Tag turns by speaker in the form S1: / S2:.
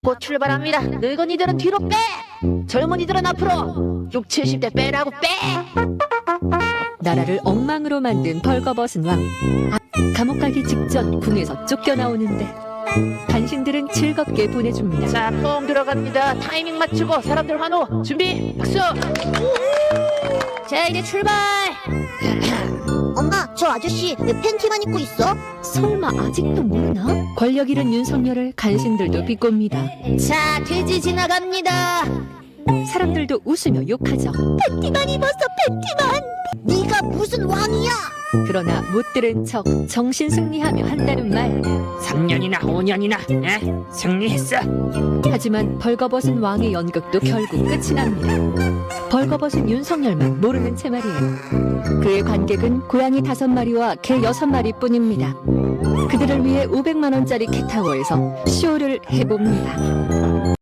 S1: 곧 출발합니다. 늙은이들은 뒤로 빼! 젊은이들은 앞으로! 6, 70대 빼라고 빼!
S2: 나라를 엉망으로 만든 벌거벗은 왕. 감옥 가기 직전 궁에서 쫓겨나오는데 간신들은 즐겁게 보내줍니다.
S1: 자, 뽕 들어갑니다. 타이밍 맞추고 사람들 환호! 준비! 박수! 자, 이제 출발!
S3: 엄마, 저 아저씨 왜 팬티만 입고 있어?
S2: 설마 아직도 모르나? 권력 잃은 윤석열을 간신들도 비꼽니다.
S3: 자, 돼지 지나갑니다.
S2: 사람들도 웃으며 욕하죠.
S3: 팬티만 입었어, 팬티만. 네가 무슨 왕이야?
S2: 그러나 못 들은 척 정신 승리하며 한다는 말.
S1: 3년이나 5년이나 승리했어.
S2: 하지만 벌거벗은 왕의 연극도 결국 끝이 납니다. 벌거벗은 윤석열만 모르는 채 말이에요. 그의 관객은 고양이 5마리와 개 6마리 뿐입니다. 그들을 위해 500만 원짜리 캣타워에서 쇼를 해봅니다.